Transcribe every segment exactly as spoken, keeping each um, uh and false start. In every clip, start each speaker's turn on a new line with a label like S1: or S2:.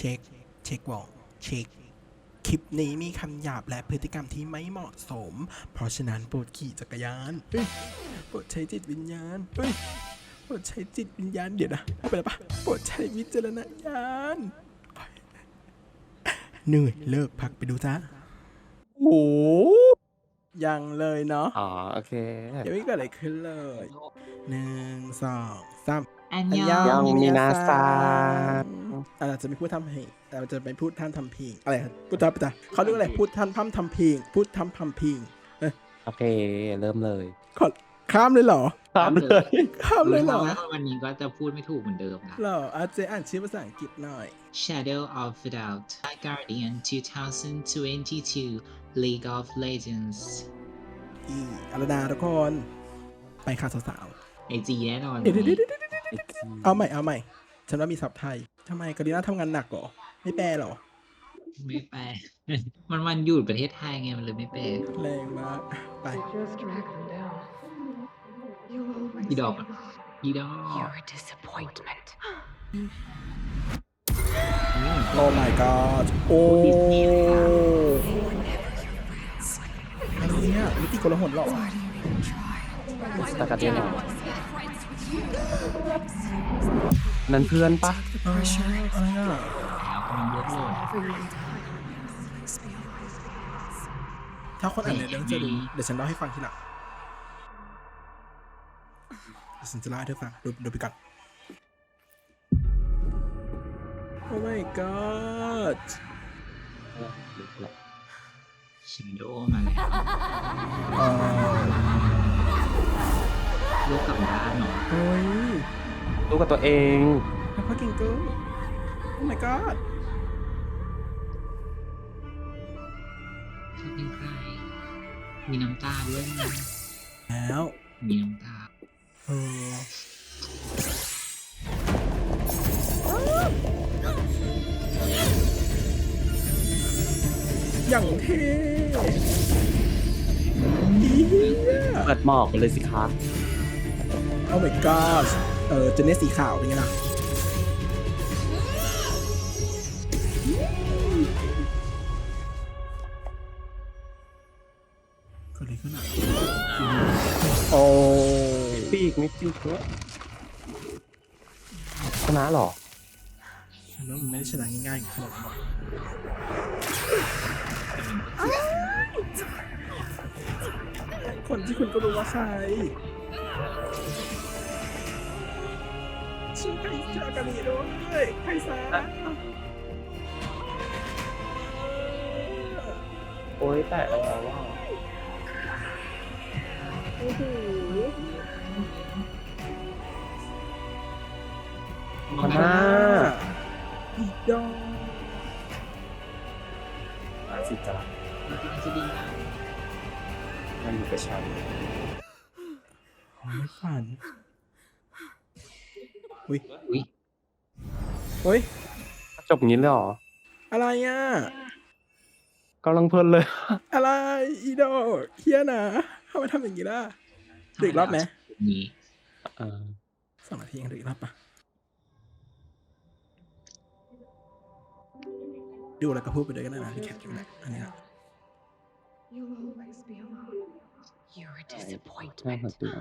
S1: ช็คเช็ควองเช็คคลิปนี้มีคำหยาบและพฤติกรรมที่ไม่เหมาะสม เพราะฉะนั้นโปรดขี่จักรยานเฮ้ยโปรดใช้จิตวิญญาณเฮ้ยโปรดใช้จิตวิญญาณเดี๋ยวนะไปแล้วปะโปรดใช้วิจารณญาณเหนื่อยเลิกพักไปดูจ้าโอ้ยังเลยเนาะ
S2: อ๋อโอเค
S1: ยังไม่เกิดอะไรขึ้นเลยหนึ่งสองสาม
S3: อัน
S1: อัน
S3: ย
S1: ย
S3: อ
S1: อง ง
S2: มี
S1: มิ
S2: นา
S1: นา
S2: ซา
S1: ซาเราจะไม่พูดทำเพลงเราจะไม่พูดท่านทำเพลงอะไรพูดทำอะไรเขาเรียกอะไรพูดท่านพั่มทำเพลงพูดทำทำเพลงเอ้ย
S2: โอเค เริ่มเลย
S1: ขอข้ามเลยเหรอ
S2: ตามเลย
S1: ข้ามเลยเหรอ
S3: รู้ว่าวันนี้ก็จะพูดไม่ถูกเหมือนเดิมนะ
S1: เหรออาเจอ่านชื่อภาษาอังกฤษหน่อย
S3: Shadow of the Doubt Guardian twenty twenty-two League of Legends
S1: อีอารดาทุกคน ไปค่ะสาว
S3: ไอจีแน่นอน
S1: ๆเดี๋ยวเดี๋ยวเดี๋ยวเดี๋ยวเดี๋ยวเอาใหม่เอาใหม่ฉันว่ามีศัพท์ไทยทำไมกาลิน่าทำงานหนักเหรอไม่แปลเหรอ
S3: ไม่แปล มันวันหยุดประเทศไทยไงมันเลยไม่แปล
S1: แรงมากไป
S4: Just drag them down. You'll always
S3: อีดอก
S4: be
S3: อะ
S4: alone.
S3: อีดอก
S4: You're a disappointment.
S1: โอ้ my god โอ้อะไรเนี่ยมิติโกลาหลเหรอ
S2: ตะกัดยังไงนั่นเพื่อนปะ
S1: อ๋ออะไรอ่ะ
S3: แล้วกำลังเลือกโหลด
S1: ถ้าคนอ่านในเรื่องจะรู้เดี๋ยวฉันเล่าให้ฟังทีหลังเดี๋ยวฉันจะเล่าให้เธอฟังดูดูไปก่อน โอ้ my god
S3: Shadow มาแล้ว
S1: เอ่อ
S3: ลูกกลับบ้านเนาะ
S1: เฮ้ย
S2: รู้กับตัวเอง
S1: แล้วพ่อเก่งเกินโอ้ my god
S3: เขาเป็นใคร มีน้ำตาด้วยนะ
S1: แล้ว
S3: มีน้ำตา
S1: เอออย่างเท่อีเหี้ย
S2: เปิดหมอกไปเลยสิคะ
S1: โอ้ my god เออเจเนสสีขาวเป็นไงล่ะเกิดอะไรขึ้นอ่ะโอ้
S2: ปีกไม่ปีกด้วยชนะเหรอ
S1: ฉันว่ามันไม่ได้ชนะง่ายๆขนาดนั้นหรอกคนที่คุณก็รู้ว่าใครชื่อใครจากาลีด้วยใครซะ
S2: โอ้ยแต่อะไรวะ
S1: โอ้โห
S2: มันน่า
S1: อีดอง
S2: อาสิจ้ะ
S3: จะดีนะ
S2: มันอยู่กับฉัน
S1: ไม่ฝันอุ้ย
S3: อุ้ย
S1: เฮ้ย
S2: จบอย่างนี้เลยเหรอ
S1: อะไรอ่ะ
S2: กำลังเพลินเลย
S1: อะไรอีดอกเฮียนะทำไมทำอย่างนี้ล่ะดูอีกรอบไหม
S3: นี้
S2: เออ
S1: สองนาทียังดูอีกรอบปะดูแล้วก็พูดไปด้วยกันนะที่แคปอยู่แหละอันนี้นะ
S4: You'll always be alone. You're a
S2: ใช่
S4: disappointment.
S2: หัวตัว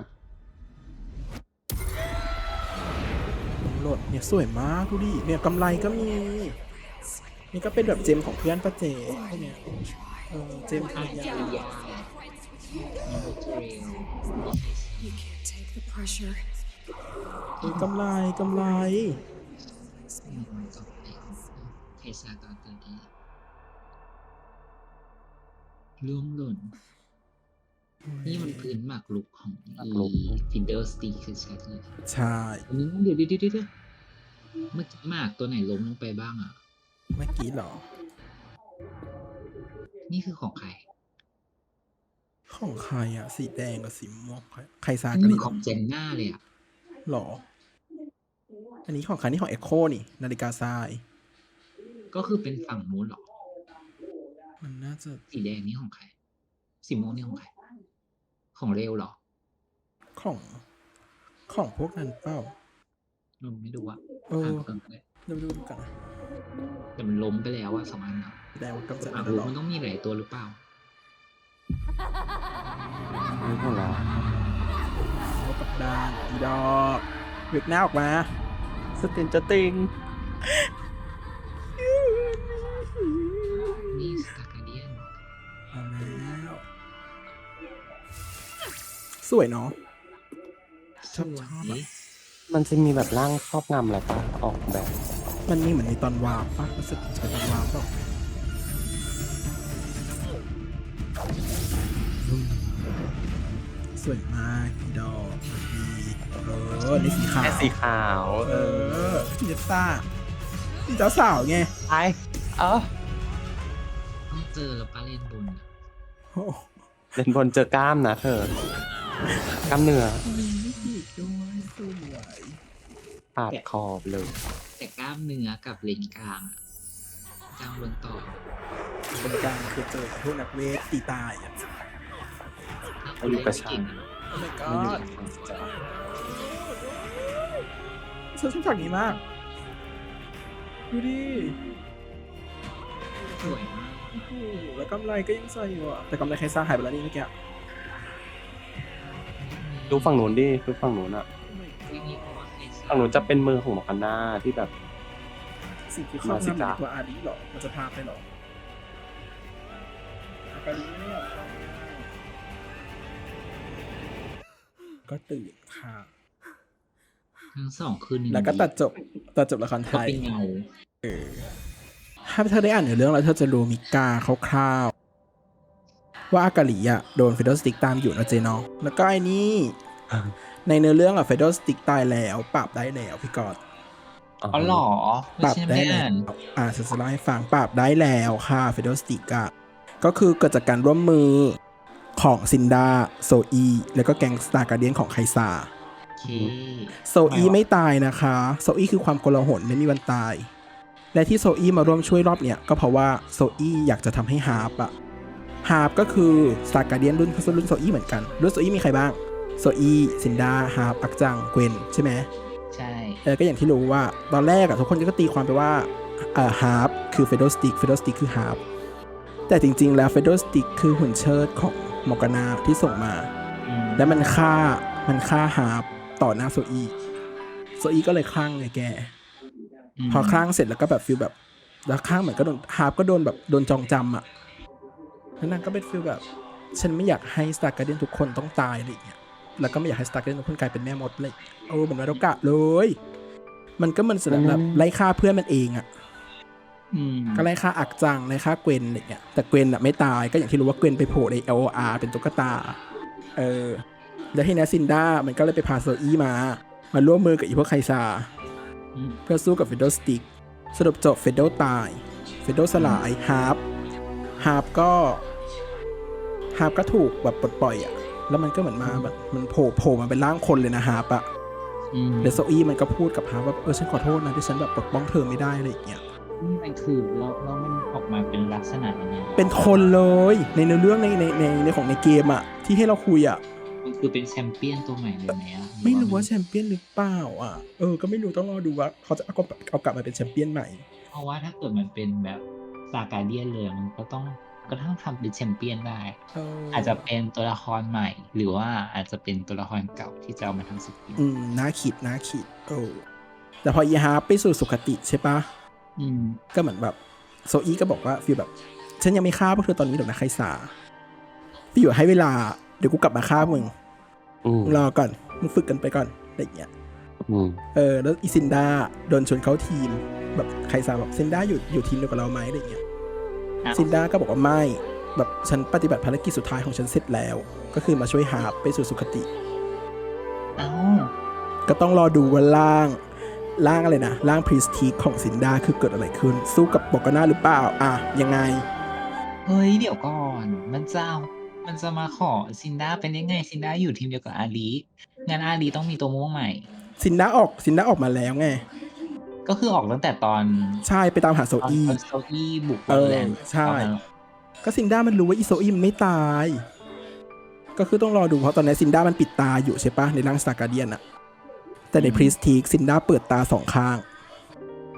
S1: โหลดเนี่ยสวยมากดูดิเนี่ยกำไรก็มี นี่ก็เป็นแบบเจมของเพื่อนป้าเจพวกเนี้ยเออเจมทางยา
S4: You can't take the pressure.
S1: เออกำไรกำไร
S3: เทสาตอนตื่นดีร่วงหล่น นี่มันพื้นหมากลุกของอีฟินเดอร์สตีคือชัดเลย
S1: ใช่
S3: อันนี้เดี๋ยวเดี๋ยวเดี๋ยวเดี๋ยวเมื่อกี้หมากตัวไหนล้มลงไปบ้างอ่ะ
S1: เมื่อกี้เหรอ
S3: นี่คือของใคร
S1: ของใครอ่ะ สีแดงกับสีม่วงใครใครซา
S3: อัน
S1: กะ
S3: นี้
S1: ลี
S3: ของเจนน่าเลยอ่ะ
S1: หรอ อันนี้ของใครนี่ของเอ็โคนี่นาฬิกาทราย
S3: ก็คือเป็นฝั่งนู้นเหรอ
S1: มันน่าจะ
S3: สีแดงนี่ของใคร สีม่วงนี่ของใคร ของเร็วเหรอ
S1: ของของพวกนั้นเปล่า
S3: เราไม่ดูอ่ะ
S1: เออ
S3: อ่านก่อนก็ได้
S1: เดี๋ยวดูกันนะ
S3: แต่มันล้มไปแล้วอะสองอันอะ
S1: แสดงว่ากำจัด
S3: หมาก
S1: ได้
S3: รุ
S1: แล้
S3: ก
S1: ว
S3: มันต้องมีหลายตัวหรือเปล่า
S2: ไม่เท่าไหร่
S1: โอ้กับดานอีดอกเวกหน้าออกมา
S2: สตินจะติง
S3: นี่สตาร์การเดียน
S1: เอาแล้วสวยเนาะ ชอบชอบอะ
S2: มันจะมีแบบร่างครอบงำอะไรปะออกแบบ
S1: มันมีเหมือนในตอนวาร์ปปะรู้สึกจะเป็นตอนวาร์ปเปล่าสวยมากอีดอกดีเออนี่สีขาว
S2: แค่สีขาว
S1: เออพี่เจสซ่าพี่เจ้าสาวไง
S2: ไอเออ
S3: ต้องเจอแล้วป้าเล่นบนอะ
S1: โอ้
S2: เล่นบนเจอกล้ามนะเธอกล้ามเนื้อ
S1: มีไม่ผิดด้วยสวย
S2: ปาดคอบเลย
S3: แต่กล้ามเนื้อกับเลนกลางอะกลางบนต่อ
S1: บนกลางคือเจอพวกนักเวทตีตายอ่ะ
S3: ถ้าคนเล่นไม่เก่งอะ
S1: โอ้ my
S2: ไม่อยู่
S1: god
S2: ในความจ
S1: ฉันชอบฉากนี้มาก ดูดิ
S3: สวยมาก
S1: โอ้โหแล้วกำไรก็ยังใส่อยู่อ่ะ แต่กำไรใครสร้างหายไปแล้วนี่เมื่อกี้
S2: ำดูฝั่งนู้นดิดูฝั่งนู้นอะ
S3: ไม่มีเพราะว่าใครสร้า
S2: ฝั่งนู้นจะเป็นมือของหมอกันนาที่แบบ
S1: สิ่งที่ครอบ
S2: มาสิ
S1: งำ
S2: จ๊ะ
S1: ในตัวอารีหรอ มันจะพาไปหรออาการีเนี่ยก็ตื่นค่ะ
S3: ทั้งสองคืนหนึ่ง
S1: แล้วก็ตัดจบตัดจบละครไท
S3: ก็
S1: ย
S3: เป็นเงา
S1: ถ้าเธอได้อ่านเนื้อเรื่องแล้วเธอจะรู้มิกาคร่าวๆว่าอากาลีอ่ะโดนเฟโดสติกตามอยู่นะเจเนาะแล้วก็ไอ้นี่ในเนื้อเรื่องอ่ะเฟโดสติกตายแล้วปราบได้แล้วพี่กอด
S3: อ๋อเหรอ
S1: ปรับ
S3: ฉัน
S1: ได้
S3: ไม่
S1: แล้
S3: อ่า
S1: วน อ่าฉันจะเล่าให้ฟังปรับได้แล้วค่ะเฟโดสติกอะก็คือเกิดจากการร่วมมือของซินดาโซอีแล้วก็แก๊งสตาร์การเดียนของไคซา
S3: โอเค
S1: โซอีไม่ตายนะคะโซอีคือความโกลาหลไม่มีวันตาย และที่โซอีมาร่วมช่วยรอบเนี้ยก็เพราะว่าโซอีอยากจะทำให้ฮาร์ปอะฮาร์ปก็คือสตาร์การเดียนรุ่นรุ่นโซอีเหมือนกันรุ่นโซอีมีใครบ้างโซอีซินดาฮาร์ปอักจังเกวนใช่ไหม
S3: ใช่
S1: เออก็อย่างที่รู้ว่าตอนแรกอะทุกคนก็ตีความไปว่าเอ่อฮาร์ปคือเฟโดสติกเฟโดสติกคือฮาร์ปแต่จริงๆแล้วเฟโดสติกคือหุ่นเชิดของมอร์กานาที่ส่งมา
S3: อืม
S1: และมันฆ่ามันฆ่าฮาร์ปต่อหน้าโซอีโซอีก็เลยคลั่งไงแก
S3: ม
S1: พอคลั่งเสร็จแล้วก็แบบฟิลแบบแล้วคลั่งเหมือนก็โดนฮาร์ปก็โดนแบบโดนจองจำอะแล้วนางก็เป็นฟิลแบบฉันไม่อยากให้สตาร์การ์เดียนทุกคนต้องตายอะไรอย่างเงี้ยแล้วก็ไม่อยากให้สตาร์การ์เดียนทุกคนกลายเป็นแม่มดเลยโอ้เหมือนวาโดกะเลย มันก็มันแสดงแบบไล่ฆ่าเพื่อนมันเองอะ
S3: อืม
S1: ก็ไล่ฆ่าอักจังไล่ฆ่าเกวนอะไรเงี้ยแต่เกวนอะไม่ตายก็อย่างที่รู้ว่าเกวนไปโผล่ใน แอล โอ อาร์ เป็นตุ๊กตาเออแล้วทีนี้ซินด้ามันก็เลยไปพาโซอี้มามาร่วมมือกับอีพวกไคซา
S3: อืม
S1: เพื่อสู้กับเฟโดสติกสรุปจบเฟโดตายเฟโดสลายฮาร์ปฮาร์ปก็ฮาร์ปก็ถูกแบบปลดปล่อยอะแล้วมันก็เหมือนมาแบบมันโผล่โผล่มาเป็นร่างคนเลยนะฮาร์ปอะ
S3: อืม
S1: แล้วโซอี้มันก็พูดกับฮาร์ปว่าเออฉันขอโทษนะที่ฉันแบบปกป้องเธอไม่ได้อะไรอย่างเงี้ย
S3: นี่มันคือแล้วแล้วมันออกมาเป็นลักษณะยังไง
S1: เป็นคนเลยในเนื้อเรื่องในในในในของในเกมอะที่ให้เราคุยอะ
S3: มันคือเป็นแชมเปี้ยนตัวใหม่เลยไหมอะ
S1: ไม่รู้ว่าแชมเปี้ยนหรือเปล่าอะเออก็ไม่รู้ต้องรอดูว่าเขาจะเอากลับเอากลับมาเป็นแชมเปี้ยนใหม่
S3: เพราะว่าถ้าเกิดมันเป็นแบบซาการเดียนเลยมันก็ต้องก็ต้องทำเป็นแชมเปี้ยนได้
S1: เออ
S3: อาจจะเป็นตัวละครใหม่ หรือว่าอาจจะเป็นตัวละครเก่าที่จะเอามาทำสกิน
S1: อืมน่าคิดน่าคิดเออแต่พอยีฮาร์ปไปสู่สุคติใช่ปะ
S3: อืม
S1: ก็เหมือนแบบโซอีก็บอกว่าฟีลแบบ ฉันยังไม่ฆ่าพวกเธอตอนนี้หรอกนะไคซาพี่อยู่ให้เวลาเดี๋ยวกูกลับมาฆ่ามึง
S2: อืม
S1: มึงรอก่อนมึงฝึกกันไปก่อนอะไรอย่างเงี้ย
S2: อืม
S1: เออแล้วอีซินดาโดนชวนเข้าทีมแบบไคซาบอกซินดาอยู่อยู่ทีมเดียวกับเราไหมอะไรอย่างเงี้ย
S3: อ้าว
S1: ซินดาก็บอกว่าไม่แบบฉันปฏิบัติภารกิจสุดท้ายของฉันเสร็จแล้ว ก็คือมาช่วยฮาร์ปไปสู่สุคติ
S3: เอ้า
S1: ก็ต้องรอดูว่าร่างร่างอะไรนะร่างพรีสทีของซินดาคือเกิดอะไรขึ้น สู้กับบอกาน่าหรือเปล่าอ่ะยังไง
S3: เฮ้ยเดี๋ยวก่อน มันจะเอามันจะมาขอซินดาเป็นยังไงซินดาอยู่ทีมเดียวกับอาลีงั้นอาลีต้องมีตัวม่วงใหม่
S1: ซินดาออกซินดาออกมาแล้วไง
S3: ก็คือออกตั้งแต่ตอน
S1: ใช่ไปตามหาโซ
S3: ตอน
S1: อี
S3: ตอนโซอี้บุก
S1: เออ
S3: แลนด์
S1: ใช่
S3: ตอนนั้น
S1: ก็ซินดามันรู้ว่าอีโซอีมันไม่ตาย ก็คือต้องรอดูเพราะตอนนี้ซินดามันปิดตาอยู่ใช่ปะในร่างสตาร์การเดียนอะแต่ในพรีสทีซินดาเปิดตาสองข้าง
S3: อ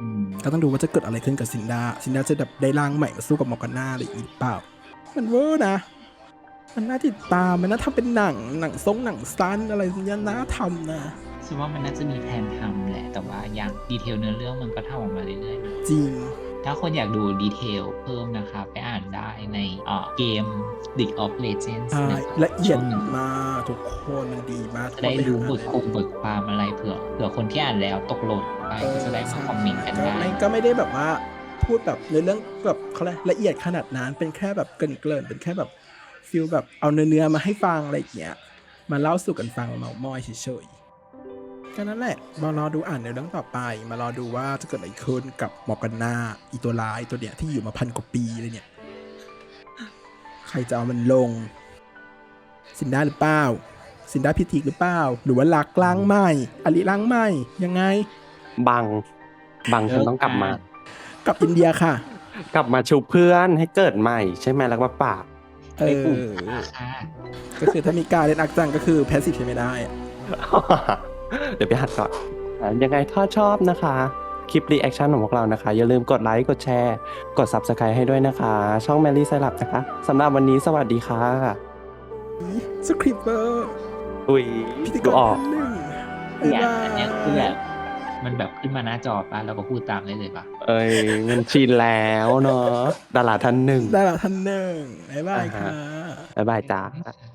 S3: อืม
S1: ก็ต้องดูว่าจะเกิดอะไรขึ้นกับซินดาซินดาจะแบบได้ร่างใหม่มาสู้กับมอร์กาน่าอะไรอีกหรือเปล่า มันเวอร์นะ มันน่าติดตามมันน่าทำเป็นหนังหนังทรงหนังสั้นอะไรอย่างเงี้ยน่าทำนะ
S3: ฉันว่ามันน่าจะมีแผนทำแหละ แต่ว่าอย่างดีเทลเนื้อเรื่องมันก็ทำออกมาเรื่อยๆนะ
S1: จริง
S3: ถ้าคนอยากดูดีเทลเพิ่มนะคะ ไปอ่านได้ในเอ่อเกม League of Legends
S1: ใช่
S3: นะ
S1: ละเอียด
S3: ช่วงหนึ่ง
S1: มากทุกคนมันดีมาก
S3: จะได้รู้บท
S1: ไปหา
S3: คุมบทความอะไรเผื่อเผื่อคนที่อ่านแล้วตกหล่นไปก็จะได้มาคอมเมนต์กัน
S1: ก็
S3: ได้
S1: ไม่ก็ไม่ได้แบบว่าพูดแบบในเรื่องแบบเขาเรียกละเอียดขนาดนั้นเป็นแค่แบบเกริ่นๆเป็นแค่แบบฟิลแบบเอาเนื้อๆมาให้ฟังอะไรอย่างเงี้ยมาเล่าสู่กันฟังเมามอยเฉยๆก็นั่นแหละมารอดูอ่านในเรื่องต่อไป มารอดูว่าจะเกิดอะไรขึ้นกับมอร์กาน่าอีตัวร้ายตัวเนี้ยที่อยู่มาพันกว่าปีเลยเนี่ยใครจะเอามันลงซินด้าหรือเปล่าซินด้าพิธีหรือเปล่าหรือว่าลักล้างใหม่อลิล้างใหม่ยังไง
S2: บัง บังฉันต้องกลับมา
S1: กลับอินเดียค่ะ
S2: กลับมาชูเพื่อนให้เกิดใหม่ใช่ไหมแล้วมาปราบ
S1: เอ
S3: ไอ้กลุ่ม
S1: อ
S3: ค่ะ
S1: ก็คือถ้ามีการเล่นอักจังก็คือแพสซีฟใช้ไม่ได้อะ
S2: เดี๋ยวไปหัดก่อนอ่ะยังไงถ้าชอบนะคะ คลิปรีแอคชั่นของพวกเรานะคะ อย่าลืมกดไลค์กดแชร์ กด Subscribe ให้ด้วยนะคะ ช่อง Mary ไซรัปนะคะสำหรับวันนี้สวัสดีค่ะ
S1: สคริปเปอร์
S2: อุ้ย
S1: พิธีก
S2: ดู
S1: ร
S2: ออก
S1: ท่านหนึ่ง
S3: เนี่ย
S1: บ๊ายบาย
S3: อันเนี้ยคือแบบมันแบบขึ้นมาหน้าจอป่ะแล้วก็พูดตามได้เลยป่ะ
S2: เอ้ยมันชินแล้วเนาะดาราท่านหนึ่ง
S1: ได้แล้วท่านหนึ่งบ๊ายบาย
S2: อ่าฮะ
S1: ค่ะ
S2: บ๊ายบายจ้า
S3: ไม่ใช่